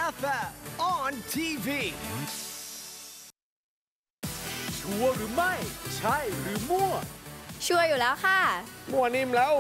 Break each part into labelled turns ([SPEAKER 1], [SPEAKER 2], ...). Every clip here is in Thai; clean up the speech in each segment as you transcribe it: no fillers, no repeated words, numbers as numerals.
[SPEAKER 1] FM on TV
[SPEAKER 2] ชัวร์หรือไม่ใช่หรือมั่ว
[SPEAKER 3] ชัวร์อยู่แล้วค่ะ
[SPEAKER 2] มั่วนิ่มแล้ว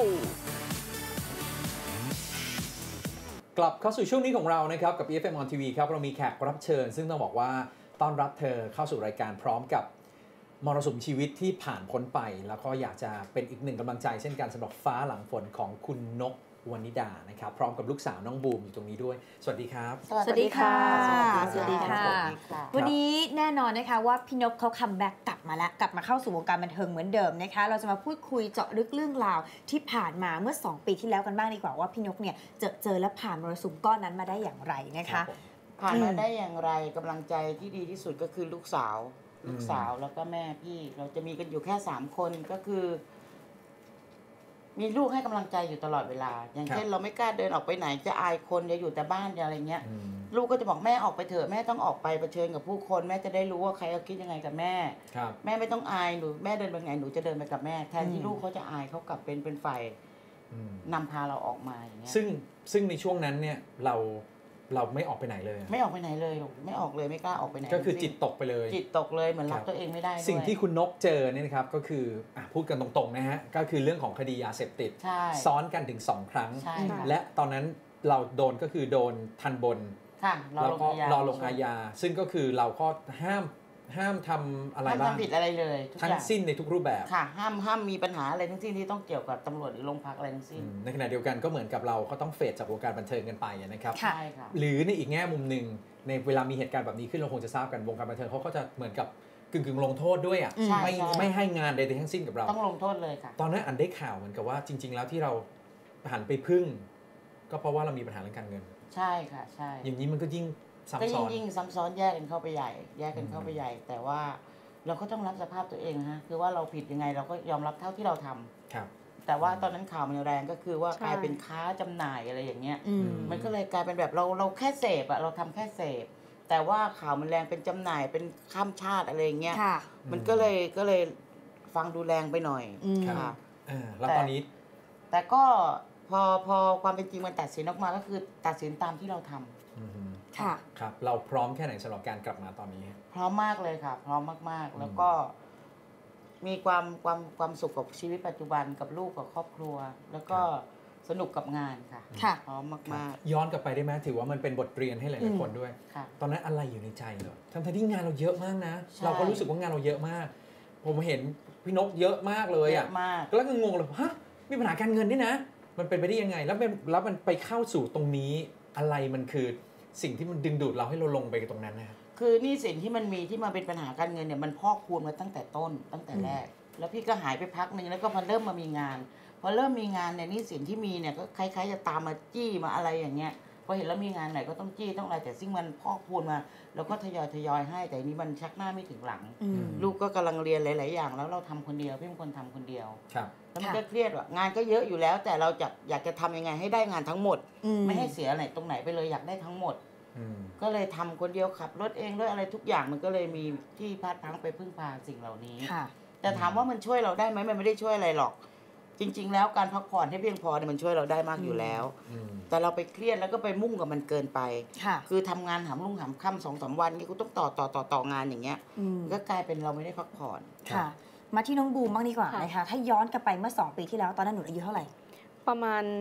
[SPEAKER 4] กลับเข้าสู่ช่วงนี้ของเรานะครับกับ EFM on TV ครับเรามีแขกรับเชิญซึ่งต้องบอกว่าต้อนรับเธอเข้าสู่รายการพร้อมกับมรสุมชีวิตที่ผ่านพ้นไปแล้วก็อยากจะเป็นอีกหนึ่งกำลังใจเช่นกันสำหรับฟ้าหลังฝนของคุณนกวนิดานะครับพร้อมกับลูกสาวน้องบูมอยู่ตรงนี้ด้วยสวัสดีครับ
[SPEAKER 3] สวัสดีค่ะสวัสดีค่ะวันนี้แน่นอนนะคะว่าพี่นกเขาคัมแบ็กกลับมาแล้วกลับมาเข้าสู่วงการบันเทิงเหมือนเดิมนะคะเราจะมาพูดคุยเจาะลึกเรื่องราวที่ผ่านมาเมื่อ2 ปีที่แล้วกันบ้างดีกว่าว่าพี่นกเนี่ยเจอและผ่านมรสุมก้อนนั้นมาได้อย่างไรนะคะ
[SPEAKER 5] ผ่านมาได้อย่างไรกำลังใจที่ดีที่สุดก็คือลูกสาวแล้วก็แม่พี่เราจะมีกันอยู่แค่3 คนก็คือมีลูกให้กำลังใจอยู่ตลอดเวลาอย่างเช่นเราไม่กล้าเดินออกไปไหนจะอายคนจะอยู่แต่บ้านอะไรเงี้ยลูกก็จะบอกแม่ออกไปเถอะแม่ต้องออกไปเผชิญกับผู้คนแม่จะได้รู้ว่าใครเขาคิดยังไงกับแม่แม่ไม่ต้องอายหนูแม่เดินไปไงหนูจะเดินไปกับแม่แทนที่ลูกเขาจะอายเขากลับเป็นฝ่ายนำพาเราออกมาอย่างเงี้ย
[SPEAKER 4] ซึ่งในช่วงนั้นเนี่ยเราไม่ออกไปไหนเลย
[SPEAKER 5] ไม่ออกไปไหนเลยไม่ออกเลยไม่กล้าออกไปไหน
[SPEAKER 4] ก็คือจิตตกไปเลย
[SPEAKER 5] จิตตกเลยเหมือนรับตัวเองไม่ได้
[SPEAKER 4] สิ่งที่คุณนกเจอเนี่ยนะครับก็คือพูดกันตรงๆนะฮะก็คือเรื่องของคดียาเสพติดซ้อนกันถึง2 ครั้งและตอนนั้นเราโดนก็คือโดนทันบนแล้วก็รอลงอาญาซึ่งก็คือเราก็ห้ามทำอะไรบ้าง
[SPEAKER 5] ห้ามทำผิดอะไรเลย
[SPEAKER 4] ทั้งสิ้นในทุกรูปแบบ
[SPEAKER 5] ค่ะห้ามมีปัญหาอะไรทั้งสิ้นที่ต้องเกี่ยวกับตำรวจหรือโรงพักอะไรทั้งสิ้น
[SPEAKER 4] ในขณะเดียวกันก็เหมือนกับเราก็ต้องเฟดจากวงการบันเทิงกันไปนะครับ
[SPEAKER 5] ใช่ค่ะ
[SPEAKER 4] หรือในอีกแง่มุมหนึ่งในเวลามีเหตุการณ์แบบนี้ขึ้นเราคงจะทราบกันวงการบันเทิงเขาก็จะเหมือนกับกึ่งลงโทษด้วยไม่ให้งานใดๆทั้งสิ้นกับเรา
[SPEAKER 5] ต้องลงโทษเลยค่ะ
[SPEAKER 4] ตอนนั้นอันได้ข่าวเหมือนกับว่าจริงๆแล้วที่เราหันไปพึ่งก็เพราะว่าเรามีปัญหาเรื่องการเงิน
[SPEAKER 5] ใช่ค่ะใช่
[SPEAKER 4] อย่างนี้มันก็ยิ่งซ้ำซ้อน
[SPEAKER 5] ยิ่งซ้ำซ้อนแยกกันเข้าไปใหญ่แต่ว่าเราก็ต้องรับสภาพตัวเองฮะคือว่าเราผิดยังไงเราก็ยอมรับเท่าที่เราทำ
[SPEAKER 4] ครับ
[SPEAKER 5] แต่ว่าตอนนั้นข่าวมันแรงก็คือว่ากลายเป็นค้าจำหน่ายอะไรอย่างเงี้ยมันก็เลยกลายเป็นแบบเราแค่เสพอะเราทำแค่เสพแต่ว่าข่าวมันแรงเป็นจำหน่ายเป็นข้ามชาติอะไรอย่างเงี้ยมันก็เลยฟังดูแรงไปหน่อย
[SPEAKER 4] ค่ะแล้วตอนนี้
[SPEAKER 5] แต่ก็พอความเป็นจริงมันตัดสินออกมาก็คือตัดสินตามที่เราทำ
[SPEAKER 4] ค่ะครับเราพร้อมแค่ไหนสำหรับการกลับมาตอนนี้
[SPEAKER 5] พร้อมมากเลยค่ะพร้อมมากๆแล้วก็มีความสุขกับชีวิตปัจจุบันกับลูกกับครอบครัวแล้วก็สนุกกับงานค่ะพร้อมมาก
[SPEAKER 4] ๆย้อนกลับไปได้ไหมถือว่ามันเป็นบทเรียนให้หลายๆคนด้วยตอนนั้นอะไรอยู่ในใจเหรอทั้งที่งานเราเยอะมากนะเราก็รู้สึกว่างานเราเยอะมากผมเห็นพี่นกเยอะมากเลยอ่ะแล้วก็งงเลยฮะมีปัญหาการเงินนี่นะมันเป็นไปได้ยังไงแล้วมันไปเข้าสู่ตรงนี้อะไรมันคือสิ่งที่มันดึงดูดเราให้เราลงไปตรงนั้นนะครับ
[SPEAKER 5] คือนี่สิ่งที่มันมีที่มาเป็นปัญหาการเงินเนี่ยมันพอกพูนมาตั้งแต่ต้นตั้งแต่แรกแล้วพี่ก็หายไปพักนึงแล้วก็พอเริ่มมามีงานพอเริ่มมีงานเนี่ยนี่สิ่งที่มีเนี่ยก็คล้ายๆจะตามมาจี้มาอะไรอย่างเงี้ยพอเห็นแล้วมีงานไหนก็ต้องจี้ต้องอะไรแต่ซึ่งมันพอกพูนมาแล้วก็ทยอยให้แต่นี้มันชักหน้าไม่ถึงหลังลูกก็กำลังเรียนหลายๆอย่างแล้วเราทำคนเดียวพี่เป็นคนทำคนเดียวแล้วมันก็เครียดว่างานก็เยอะอยู่แล้วแต่เราอยากจะทำยังไงให้ได้งานทั้งหมดไม่ให้เสียอะไรตรงไหนไปเลยอยากได้ทั้งหมดก็เลยทำคนเดียวขับรถเองด้วยอะไรทุกอย่างมันก็เลยมีที่พลาดพลั้งไปพึ่งพาสิ่งเหล่านี้แต่ถามว่ามันช่วยเราได้ไหมมันไม่ได้ช่วยอะไรหรอกจริงๆแล้วการพักผ่อนให้เพียงพอเนี่ยมันช่วยเราได้มากอยู่แล้วแต่เราไปเครียดแล้วก็ไปมุ่งกับมันเกินไปคือทำงานหามรุ่งหามค่ำ2-3 วันนี่กูต้องต่องานอย่างเงี้ยก็กลายเป็นเราไม่ได้พักผ่อน
[SPEAKER 3] ค่ะมาที่น้องบูมบ้างดีกว่านะคะถ้าย้อนกลับไปเมื่อ2 ปีที่แล้วตอนนั้นหนูอายุเท่าไหร่
[SPEAKER 6] ประมาณ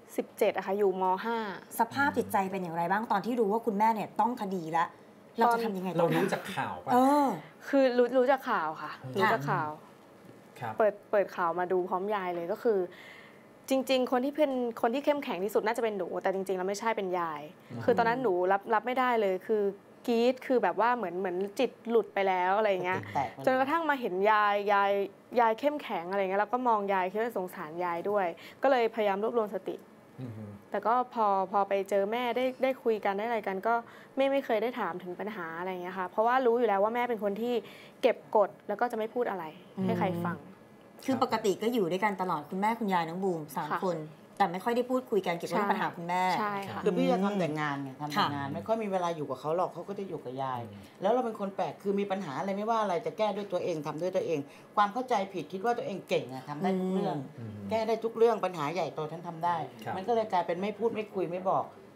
[SPEAKER 6] 17อะค่ะอยู่ม
[SPEAKER 3] .5 สภาพจิตใจเป็นอย่างไรบ้างตอนที่รู้ว่าคุณแม่เนี่ยต้องคดีแล้วเราจะทำยังไง
[SPEAKER 4] เรารู้จากข่าวป่ะ
[SPEAKER 6] คือรู้จากข่าวค่ะรู้จากข่าวเปิดข่าวมาดูพร้อมยายเลยก็คือจริงๆคนที่เข้มแข็งที่สุดน่าจะเป็นหนูแต่จริงๆแล้วไม่ใช่เป็นยายคือตอนนั้นหนูรับไม่ได้เลยคือกรี๊ดคือแบบว่าเหมือนจิตหลุดไปแล้วอะไรอย่างเงี้ยจนกระทั่งมาเห็นยายเข้มแข็งอะไรเงี้ยแล้วก็มองยายคิดว่าสงสารยายด้วยก็เลยพยายามรวบรวมสติแต่ก็พอไปเจอแม่ได้คุยกันได้อะไรกันก็ไม่เคยได้ถามถึงปัญหาอะไรอย่างเงี้ยค่ะเพราะว่ารู้อยู่แล้วว่าแม่เป็นคนที่เก็บกดแล้วก็จะไม่พูดอะไรให้ใครฟัง
[SPEAKER 3] คือปกติก็อยู่ด้วยกันตลอดคุณแม่คุณยายน้องบูม3 คนแต่ไม่ค่อยได้พูดคุยกันเกี่ยวกับปัญหาคุณแม่
[SPEAKER 6] ใช่ค่ะ
[SPEAKER 5] คือพี่จะทำแต่งานไงทำแต่งานไม่ค่อยมีเวลาอยู่กับเขาหรอกเขาก็จะอยู่กับยายแล้วเราเป็นคนแปลกคือมีปัญหาอะไรไม่ว่าอะไรจะแก้ด้วยตัวเองทำด้วยตัวเองความเข้าใจผิดคิดว่าตัวเองเก่งอะทำได้ทุกเรื่องแก้ได้ทุกเรื่องปัญหาใหญ่โตฉันทำได้มันก็เลยกลายเป็นไม่พูดไม่คุยไม่บอก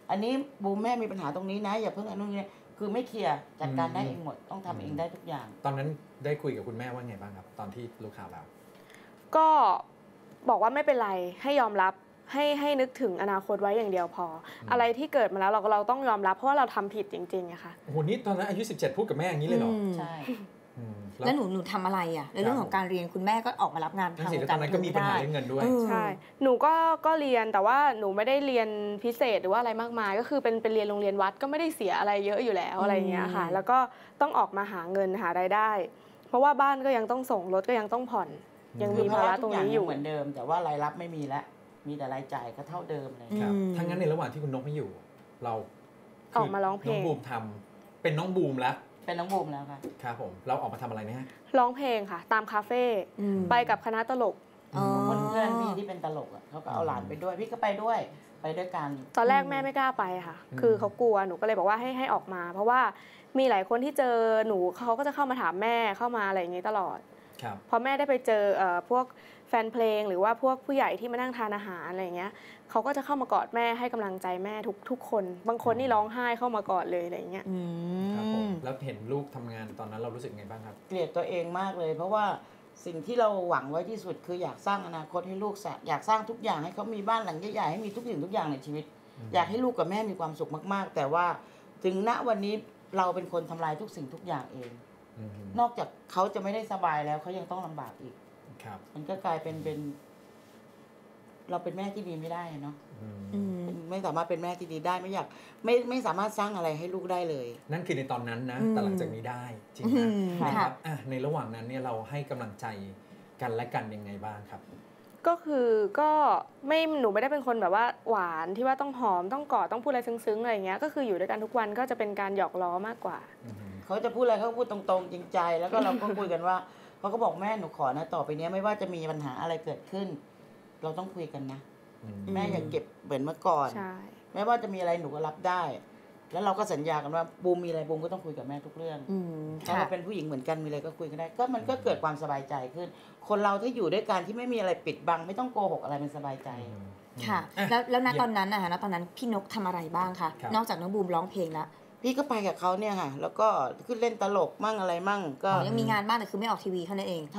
[SPEAKER 5] อันนี้บูมแม่มีปัญหาตรงนี้นะอย่าเพิ่งอันนู้นนี่คือไม่เคลียร์จัดการได้เองหมดต้องทำเองได้ทุกอย่าง
[SPEAKER 4] ตอนนั้นได้คุยกับคุณแม่ว่าไงบ้างครับตอนที่รู้ข่าวแล้ว
[SPEAKER 6] ก็บอกว่าไม่เป็นไรให้ยอมรับให้นึกถึงอนาคตไว้อย่างเดียวพออะไรที่เกิดมาแล้วเราต้องยอมรับเพราะว่าเราทำผิดจริงๆอะค่ะ
[SPEAKER 4] โอ้โหนี่ตอนนั้นอายุ17พูดกับแม่อย่างนี้เลยเหรอ
[SPEAKER 5] ใช่
[SPEAKER 3] แล้วหนูทำอะไรอ่ะในเรื่องของการเรียนคุณแม่ก็ออกมารับงานทาง
[SPEAKER 4] ตอนนั้นก็มีปัญหาเรื่องเงินด้วย
[SPEAKER 6] ใช่หนูก็เรียนแต่ว่าหนูไม่ได้เรียนพิเศษหรือว่าอะไรมากมายก็คือเป็นเรียนโรงเรียนวัดก็ไม่ได้เสียอะไรเยอะอยู่แล้วอะไรเงี้ยค่ะแล้วก็ต้องออกมาหาเงินหารายได้เพราะว่าบ้านก็ยังต้องส่งรถก็ยังต้องผ่อนยังมีภาระตรงนี้อยู่
[SPEAKER 5] เหมือนเดิมแต่ว่ารายรับไม่มีแล้วมีแต่รายจ่ายก็เท่าเดิมเลย
[SPEAKER 4] ครับทั้งนั้นในระหว่างที่คุณนกไม่อยู่เรา
[SPEAKER 6] ออกมาร้องเพลง
[SPEAKER 4] น้องบูมทำเป็นน้องบูมแล้ว
[SPEAKER 5] เป็นน้องบูมแล้วค่ะ
[SPEAKER 4] ครับผมเราออกมาทำอะไรเนี่ย
[SPEAKER 6] ร้องเพลงค่ะตามคาเฟ่ไปกับคณะตลก
[SPEAKER 5] เพื่อนพี่ที่เป็นตลกอ่ะเขาก็เอาหลานไปด้วยพี่ก็ไปด้วยกัน
[SPEAKER 6] ตอนแรกแม่ไม่กล้าไปค่ะคือเขากลัวหนูก็เลยบอกว่าให้ออกมาเพราะว่ามีหลายคนที่เจอหนูเขาก็จะเข้ามาถามแม่เข้ามาอะไรอย่างนี้ตลอดพอแม่ได้ไปเจอพวกแฟนเพลงหรือว่าพวกผู้ใหญ่ที่มานั่งทานอาหารอะไรอย่างเงี้ยเขาก็จะเข้ามากอดแม่ให้กำลังใจแม่ทุกคนบางคนนี่ร้องไห้เข้ามากอดเลยอะไรอย่างเงี้ย
[SPEAKER 4] ครับผมแล้วเห็นลูกทำงานตอนนั้นเรารู้สึกไงบ้างครับ
[SPEAKER 5] เกลียดตัวเองมากเลยเพราะว่าสิ่งที่เราหวังไว้ที่สุดคืออยากสร้างอนาคตให้ลูกอยากสร้างทุกอย่างให้เขามีบ้านหลังใหญ่ๆให้มีทุกสิ่งทุกอย่างในชีวิตอยากให้ลูกกับแม่มีความสุขมากๆแต่ว่าถึงณวันนี้เราเป็นคนทำลายทุกสิ่งทุกอย่างเองนอกจากเขาจะไม่ได้สบายแล้วเขายังต้องลำบากอีกมันก็กลายเป็นเราเป็นแม่ที่ดีไม่ได้เนาะไม่สามารถเป็นแม่ที่ดีได้ไม่สามารถสร้างอะไรให้ลูกได้เลย
[SPEAKER 4] นั่นคือในตอนนั้นนะแต่หลังจากนี้ได้จริงนะครับในระหว่างนั้นเนี่ยเราให้กำลังใจกันและกันยังไงบ้างครับ
[SPEAKER 6] ก็คือก็ไม่หนูไม่ได้เป็นคนแบบว่าหวานที่ว่าต้องหอมต้องกอดต้องพูดอะไรซึ้งๆอะไรอย่างเงี้ยก็คืออยู่ด้วยกันทุกวันก็จะเป็นการหยอกล้อมากกว่า
[SPEAKER 5] เขาจะพูดอะไรเขาพูดตรงๆจริงใจแล้วก็เราก็คุยกันว่าเขาก็บอกแม่หนูขอนะต่อไปนี้ไม่ว่าจะมีปัญหาอะไรเกิดขึ้นเราต้องคุยกันนะแม่อย่าเก็บเหมือนเมื่อก่อนแม้ว่าจะมีอะไรหนูก็รับได้แล้วเราก็สัญญากันว่าบูมมีอะไรบูมก็ต้องคุยกับแม่ทุกเรื่องถ้าเราเป็นผู้หญิงเหมือนกันมีอะไรก็คุยกันได้ก็มันก็เกิดความสบายใจขึ้นคนเราถ้าอยู่ด้วยกันที่ไม่มีอะไรปิดบังไม่ต้องโกหกอะไรมันสบายใจ
[SPEAKER 3] ค่ะแล้วณตอนนั้นนะคะณตอนนั้นพี่นกทำอะไรบ้างคะนอกจากน้องบูมร้องเพลงแล้ว
[SPEAKER 5] พี่ก็ไปกับเขาเนี่ยค่ะแล้วก็ขึ้นเล่นตลกมั่งอะไรมั่งก็
[SPEAKER 3] ยังมีงานบ้างแต่คือไม่ออกทีวีเท่านั้นเอง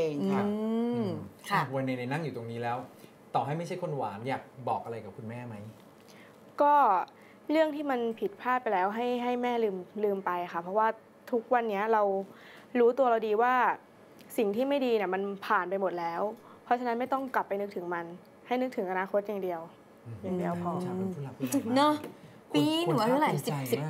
[SPEAKER 4] ค่ะวันนี้นั่งอยู่ตรงนี้แล้วต่อให้ไม่ใช่คนหวานอยากบอกอะไรกับคุณแม่ไหม
[SPEAKER 6] ก็เรื่องที่มันผิดพลาดไปแล้วให้แม่ลืมไปค่ะเพราะว่าทุกวันนี้เรารู้ตัวเราดีว่าสิ่งที่ไม่ดีเนี่ยมันผ่านไปหมดแล้วเพราะฉะนั้นไม่ต้องกลับไปนึกถึงมันให้นึกถึงอนาคตอย่างเดียวพอ
[SPEAKER 3] เนาะปีหนูอายุเท่าไหร่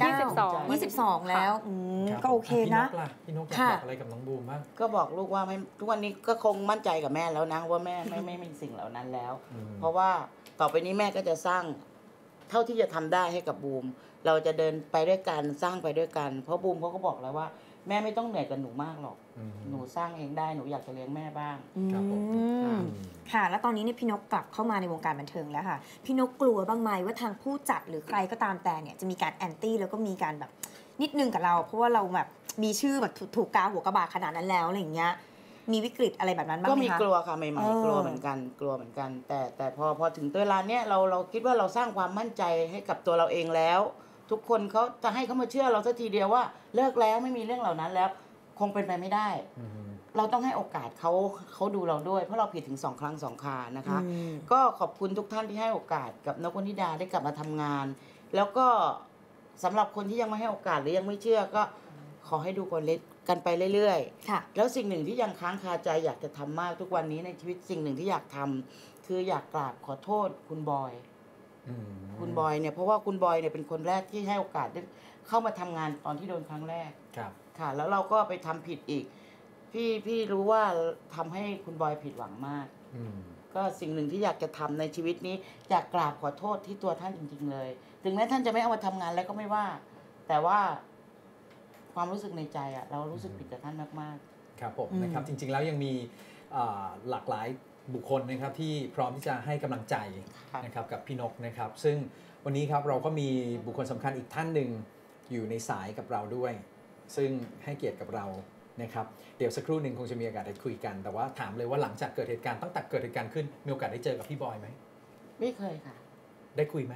[SPEAKER 3] 22แล้วก็โอเคนะ
[SPEAKER 4] พี่นกอยากบอกอะไรกับน้องบูมบ้าง
[SPEAKER 5] ก็บอกลูกว่าทุกวันนี้ก็คงมั่นใจกับแม่แล้วนะว่าแม่ไม่มีสิ่งเหล่านั้นแล้วเพราะว่าต่อไปนี้แม่ก็จะสร้างเท่าที่จะทำได้ให้กับบูมเราจะเดินไปด้วยกันสร้างไปด้วยกันเพราะบูมเขาก็บอกแล้วว่าแม่ไม่ต้องเหนื่อยกับหนูมากหรอกหนูสร้างเองได้หนูอยากจะเลี้ยงแม่บ้าง
[SPEAKER 3] ค่ะแล้วตอนนี้เนี่ยพี่นกกลับเข้ามาในวงการบันเทิงแล้วค่ะพี่นกกลัวบ้างไหมว่าทางผู้จัดหรือใครก็ตามแต่เนี่ยจะมีการแอนตี้แล้วก็มีการแบบนิดนึงกับเราเพราะว่าเราแบบมีชื่อแบบถูกกาหัวกระบาดขนาดนั้นแล้วอะไรอย่างเงี้ยมีวิกฤตอะไรแบบนั้นบ้างไหมคะ
[SPEAKER 5] ก็มีกลัวค่ะใหม่ๆกลัวเหมือนกันแต่พอถึงเวลาเนี้ยเราคิดว่าเราสร้างความมั่นใจให้กับตัวเราเองแล้วทุกคนเขาจะให้เขามาเชื่อเราสักทีเดียวว่าเลิกแล้วไม่มีเรื่องเหล่านั้นแล้วคงเป็นไปไม่ได้เราต้องให้โอกาสเขาดูเราด้วยเพราะเราผิดถึง2 ครั้ง 2 ครานะคะก็ขอบคุณทุกท่านที่ให้โอกาสกับนกวนิดาได้กลับมาทำงานแล้วก็สำหรับคนที่ยังไม่ให้โอกาสหรือยังไม่เชื่อก็ขอให้ดูกันไปเรื่อยๆแล้วสิ่งหนึ่งที่ยังค้างคาใจอยากจะทำมากทุกวันนี้ในชีวิตสิ่งหนึ่งที่อยากทำคืออยากกราบขอโทษคุณบอยเนี่ยเพราะว่าคุณบอยเนี่ยเป็นคนแรกที่ให้โอกาสได้เข้ามาทำงานตอนที่โดนครั้งแรกค่ะแล้วเราก็ไปทำผิดอีกพี่รู้ว่าทำให้คุณบอยผิดหวังมากก็สิ่งหนึ่งที่อยากจะทำในชีวิตนี้อยากกราบขอโทษที่ตัวท่านจริงๆเลยถึงแม้ท่านจะไม่เอามาทำงานแล้วก็ไม่ว่าแต่ว่าความรู้สึกในใจอะเรารู้สึกผิดกับท่านมาก
[SPEAKER 4] ๆครับผมนะครับจริงๆแล้วยังมีหลากหลายบุคคลนะครับที่พร้อมที่จะให้กำลังใจนะครับกับพี่นกนะครับซึ่งวันนี้ครับเราก็มีบุคคลสำคัญอีกท่านหนึ่งอยู่ในสายกับเราด้วยซึ่งให้เกียรติกับเรานะครับเดี๋ยวสักครู่หนึ่งคงจะมีโอกาสได้คุยกันแต่ว่าถามเลยว่าหลังจากเกิดเหตุการณ์ตั้งแต่เกิดเหตุการณ์ขึ้นมีโอกาสได้เจอกับพี่บอยไหม
[SPEAKER 5] ไม่เคยค่ะ
[SPEAKER 4] ได้คุยไหม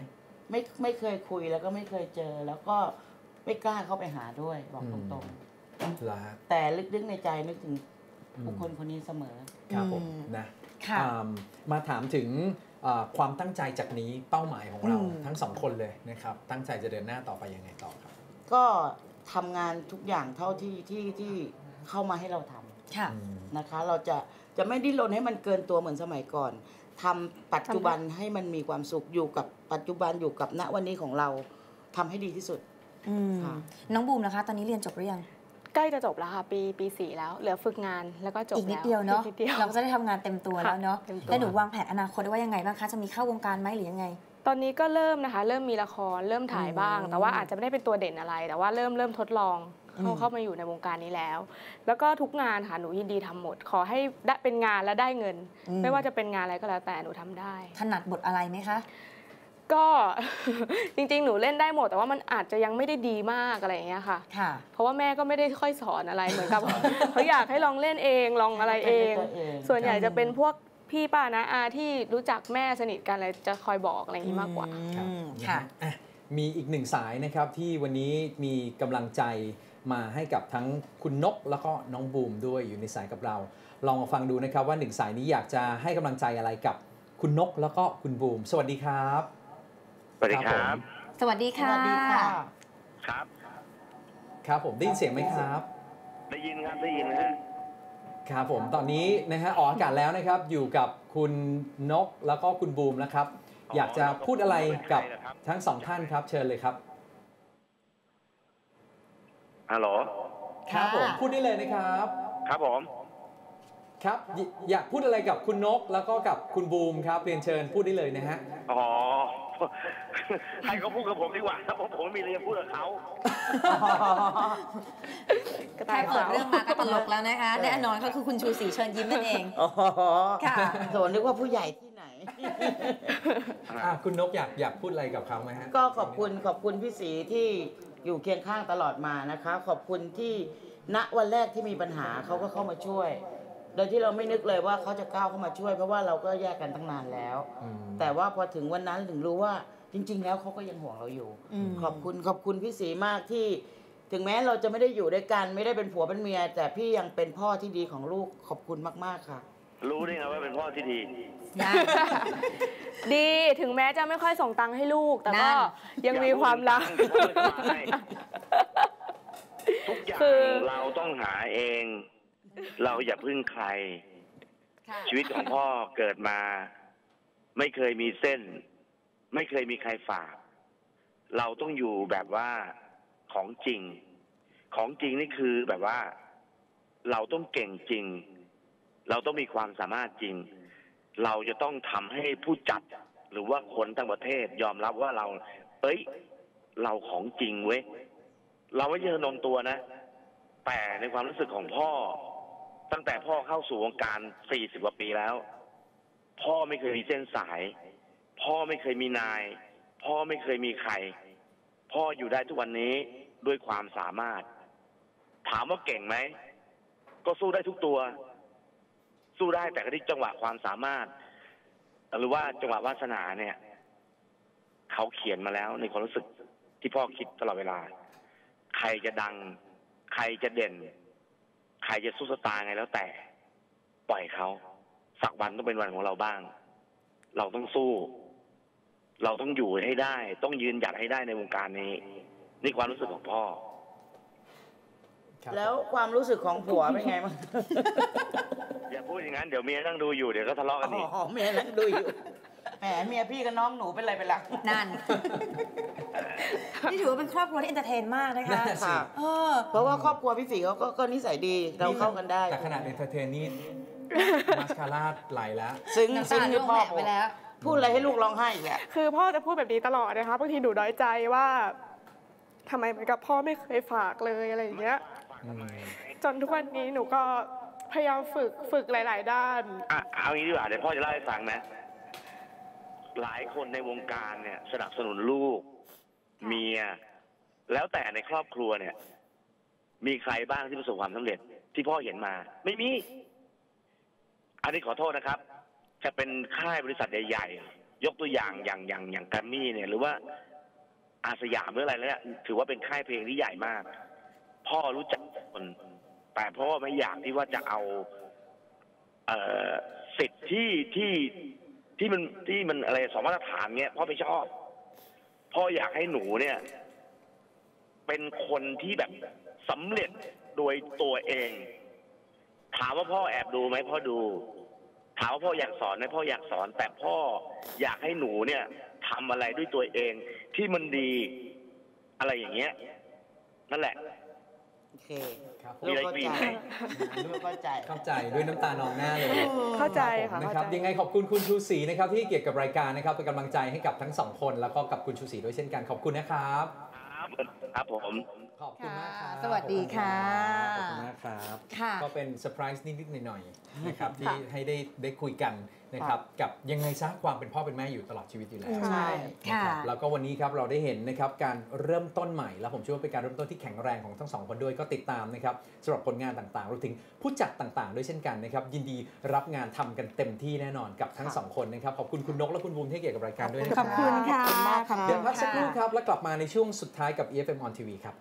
[SPEAKER 5] ไม่เคยคุยแล้วก็ไม่เคยเจอแล้วก็ไม่กล้าเข้าไปหาด้วยบอกตรงๆแต่ลึกๆในใจนึกถึงบุคคลคนนี้เสมอ
[SPEAKER 4] ครับผมนะมาถามถึงความตั้งใจจากนี้เป้าหมายของเราทั้งสองคนเลยนะครับตั้งใจจะเดินหน้าต่อไปยังไงต่อครับ
[SPEAKER 5] ก็ทำงานทุกอย่างเท่าที่เข้ามาให้เราทำนะคะเราจะไม่ดิ้นรนให้มันเกินตัวเหมือนสมัยก่อนทำปัจจุบันให้มันมีความสุขอยู่กับปัจจุบันอยู่กับณวันนี้ของเราทำให้ดีที่สุด
[SPEAKER 3] น้องบูมนะคะตอนนี้เรียนจบหรือยัง
[SPEAKER 6] ใกล้จะจบแล้วค่ะปี4แล้วเหลือฝึกงานแล้วก็จบ
[SPEAKER 3] อีกนิดเดียวเนาะเราก็จะได้ทำงานเต็มตัวแล้วเนาะแล้วหนูวางแผนอนาคตว่ายังไงบ้างคะจะมีเข้าวงการไหมหรือยังไง
[SPEAKER 6] ตอนนี้ก็เริ่มนะคะเริ่มมีละครเริ่มถ่ายบ้างแต่ว่าอาจจะไม่ได้เป็นตัวเด่นอะไรแต่ว่าเริ่มทดลองเข้ามาอยู่ในวงการนี้แล้วก็ทุกงานค่ะหนูยินดีทำหมดขอให้ได้เป็นงานและได้เงินไม่ว่าจะเป็นงานอะไรก็แล้วแต่หนูทำได้
[SPEAKER 3] ถนัดบทอะไรไหมคะ
[SPEAKER 6] ก็จริงๆหนูเล่นได้หมดแต่ว่ามันอาจจะยังไม่ได้ดีมากอะไรอย่างเงี้ยค่ะเพราะว่าแม่ก็ไม่ได้ค่อยสอนอะไรเหมือนกับเขาอยากให้ลองเล่นเองลองอะไรเองส่วนใหญ่จะเป็นพวกพี่ป้านะอาที่รู้จักแม่สนิทกันอะไรจะคอยบอกอะไรอย่างนี้มากกว่า
[SPEAKER 4] ค่ะมีอีกหนึ่งสายนะครับที่วันนี้มีกำลังใจมาให้กับทั้งคุณนกแล้วก็น้องบูมด้วยอยู่ในสายกับเราลองมาฟังดูนะครับว่าหนึ่งสายนี้อยากจะให้กำลังใจอะไรกับคุณนกแล้วก็คุณบูมสวัสดีครับ
[SPEAKER 7] สวัสดีครับ
[SPEAKER 3] สวัสดีค่ะ
[SPEAKER 7] ครับ
[SPEAKER 4] ครับผมได้ยินเสียงไหมครับ
[SPEAKER 7] ได้ยินครับได้ยินนะฮะ
[SPEAKER 4] ครับผมตอนนี้นะฮะออกอากาศแล้วนะครับอยู่กับคุณนกแล้วก็คุณบูมนะครับอยากจะพูดอะไรกับทั้งสองท่านครับเชิญเลยครับ
[SPEAKER 7] ฮัลโหล
[SPEAKER 4] ครับผมพูดได้เลยนะครับ
[SPEAKER 7] ครับผม
[SPEAKER 4] ครับอยากพูดอะไรกับคุณนกแล้วก็กับคุณบูมครับเรียนเชิญพูดได้เลยนะฮะ
[SPEAKER 7] อ๋อให้เขาพูดกับผมดีกว่าครับผมมีเรื่องพูดกับเขา
[SPEAKER 3] แค่เปิดเรื่องมาก็ตลกแล้วนะคะแน่นอนเขาคือคุณชูศรีเชิญยิ้มนั่นเอง
[SPEAKER 5] ค่ะโสนึกว่าผู้ใหญ่ที่ไหน
[SPEAKER 4] คุณนกอยากพูดอะไรกับเขาไหมฮะ
[SPEAKER 5] ก็ขอบคุณพี่ศรีที่อยู่เคียงข้างตลอดมานะคะขอบคุณที่ณวันแรกที่มีปัญหาเขาก็เข้ามาช่วยโดยที่เราไม่นึกเลยว่าเขาจะก้าวเข้ามาช่วยเพราะว่าเราก็แยกกันตั้งนานแล้วแต่ว่าพอถึงวันนั้นถึงรู้ว่าจริงๆแล้วเขาก็ยังห่วงเราอยู่ขอบคุณพี่ศรีมากที่ถึงแม้เราจะไม่ได้อยู่ด้วยกันไม่ได้เป็นผัวเป็นเมียแต่พี่ยังเป็นพ่อที่ดีของลูกขอบคุณมากๆค่ะ
[SPEAKER 7] รู้ได้ไงว่าเป็นพ่อที่ดี
[SPEAKER 6] ดีถึงแม้จะไม่ค่อยส่งตังค์ให้ลูกแต่ก็ยังมีความรัก
[SPEAKER 7] ทุกอย่างเราต้องหาเองเราอย่าพึ่งใครชีวิตของพ่อเกิดมาไม่เคยมีเส้นไม่เคยมีใครฝากเราต้องอยู่แบบว่าของจริงนี่คือแบบว่าเราต้องเก่งจริงเราต้องมีความสามารถจริงเราจะต้องทำให้ผู้จัดหรือว่าคนทั้งประเทศยอมรับว่าเราของจริงเว้ยเราไม่ใช่นมตัวนะแต่ในความรู้สึกของพ่อตั้งแต่พ่อเข้าสู่วงการ40 กว่าปีแล้วพ่อไม่เคยมีเส้นสายพ่อไม่เคยมีนายพ่อไม่เคยมีใครพ่ออยู่ได้ทุกวันนี้ด้วยความสามารถถามว่าเก่งไหมก็สู้ได้ทุกตัวสู้ได้แต่ก็ที่จังหวะความสามารถหรือว่าจังหวะวาสนาเนี่ยเขาเขียนมาแล้วในความรู้สึกที่พ่อคิดตลอดเวลาใครจะดังใครจะเด่นใครจะสู้สตาร์ไงแล้วแต่ปล่อยเขาสักวันต้องเป็นวันของเราบ้างเราต้องสู้เราต้องอยู่ให้ได้ต้องยืนหยัดให้ได้ในวงการนี้นี่ความรู้สึกของพ่อ
[SPEAKER 5] แล้วความรู้สึกของผัวเป็นไงบ้าง
[SPEAKER 7] อย่าพูดอย่างนั้นเดี๋ยวเมียนั่งดูอยู่เดี๋ยวก็ทะเลาะกันอีก
[SPEAKER 5] เมียนั่งดูอยู่แหมเมียพี่กับน้องหนูเป็นไรไปล่ะ
[SPEAKER 3] นั่นนี่ถือว่าเป็นครอบครัวที่เอนเตอร์เทนมากนะคะ
[SPEAKER 5] เพราะว่าครอบครัวพี่ศรีเขาก็นิสัยดีเราเข้ากันได้
[SPEAKER 4] แต่ขนาดเอนเตอร์เทนนี่มาสคาร่าไหลแล้ว
[SPEAKER 5] ซึ้งที่พ่อไปแล้วพูดอะไรให้ลูกร้องไห้อีกแหละ
[SPEAKER 6] คือพ่อจะพูดแบบนี้ตลอดนะคะบางทีหนูน้อยใจว่าทำไมเหมือนกับพ่อไม่เคยฝากเลยอะไรอย่างเงี้ยจนทุกวันนี้หนูก็พยายามฝึกหลายๆด้าน
[SPEAKER 7] เอางี้ดีกว่าเดี๋ยวพ่อจะเล่าให้ฟังนะหลายคนในวงการเนี่ยสนับสนุนลูกเมียแล้วแต่ในครอบครัวเนี่ยมีใครบ้างที่ประสบความสำเร็จที่พ่อเห็นมาไม่มีอันนี้ขอโทษนะครับจะเป็นค่ายบริษัทใหญ่ยกตัวอย่างอย่างแกรมมี่เนี่ยหรือว่าอาสยามหรืออะไรแล้วถือว่าเป็นค่ายเพลงที่ใหญ่มากพ่อรู้จักคนแต่พ่อไม่อยากที่ว่าจะเอาสิทธิ์ที่มันอะไรสองมาตรฐานเนี้ยพ่อไม่ชอบพ่ออยากให้หนูเนี่ยเป็นคนที่แบบสำเร็จโดยตัวเองถามว่าพ่อแอบดูไหมพ่อดูถามว่าพ่ออยากสอนไหมพ่ออยากสอนแต่พ่ออยากให้หนูเนี่ยทำอะไรด้วยตัวเองที่มันดีอะไรอย่างเงี้ยนั่นแหละ
[SPEAKER 5] โอเค
[SPEAKER 7] มีอะไรอีกไหม
[SPEAKER 4] เข้าใจด้วยน้ำตานองหน้าเลย
[SPEAKER 6] เข้าใจค่ะ
[SPEAKER 4] นะครับยังไงขอบคุณคุณชูศรีนะครับที่เกี่ยวกับรายการนะครับเป็นกำลังใจให้กับทั้งสองคนแล้วก็กับคุณชูศรีด้วยเช่นกันขอบคุณนะครับ
[SPEAKER 7] ครับผม
[SPEAKER 4] ขอบคุณมากครับ
[SPEAKER 3] สวัสดีค่ะ
[SPEAKER 4] ขอบคุณมากครับก็เป็นเซอร์ไพรส์นิดๆหน่อยๆนะครับที่ให้ได้คุยกันนะครับกับยังไงซะความเป็นพ่อเป็นแม่อยู่ตลอดชีวิตอยู่แล้ว
[SPEAKER 3] ใช่
[SPEAKER 4] ค่ะแล้วก็วันนี้ครับเราได้เห็นนะครับการเริ่มต้นใหม่แล้วผมเชื่อว่าเป็นการเริ่มต้นที่แข็งแรงของทั้งสองคนด้วยก็ติดตามนะครับสำหรับผลงานต่างๆรวมถึงผู้จัดต่างๆด้วยเช่นกันนะครับยินดีรับงานทำกันเต็มที่แน่นอนกับทั้งสองคนนะครับขอบคุณคุณนกและคุณบูมที่เกี่ยวกับรายการด้วย
[SPEAKER 3] ขอบคุณค่ะ
[SPEAKER 4] เดี๋ยวพักสักครู่ครับแล้วกลับมาในช่วงสุดท้ายกับ EFM on TV ครับ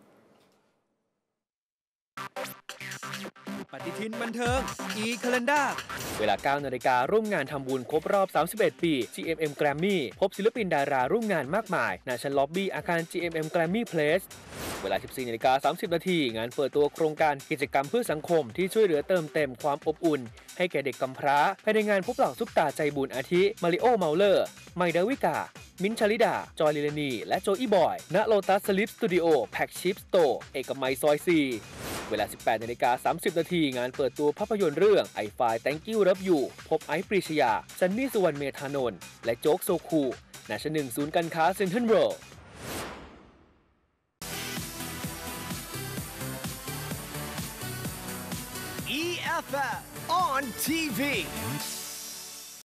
[SPEAKER 1] ปฏิทินบันเทิง e-calendar
[SPEAKER 2] เวลา 9 นาฬิการ่วมงานทำบุญครบรอบ 31 ปี GMM Grammy พบศิลปินดาราร่วมงานมากมายณชั้นล็อบบี้อาคาร GMM Grammy Place เวลา 14 นาฬิกา 30 นาทีงานเปิดตัวโครงการกิจกรรมเพื่อสังคมที่ช่วยเหลือเติมเต็มความอบอุ่นให้แก่เด็กกำพร้าภายในงานพบเหล่าซุปตาใจบุญอาทิมาริโอเมาเลอร์ไมดาวิกามิ้นท์ชลิดาจอยลิลานีและโจอี้บอยณโลตัสสลิปสตูดิโอแพ็กชิปสโตร์เอกมัยซอย 4 เวลา 18 นาฬิกา 30 นาทีงานเปิดตัวภาพยนตร์เรื่อง I Find Thank You Love You พบไอซ์ปรีชยาซันนี่สุวรรณเมธานนท์และโจ๊กโซคูณชั้น 1 ศูนย์การค้าเซ็นทรัลเวิลด์
[SPEAKER 1] EFF on TV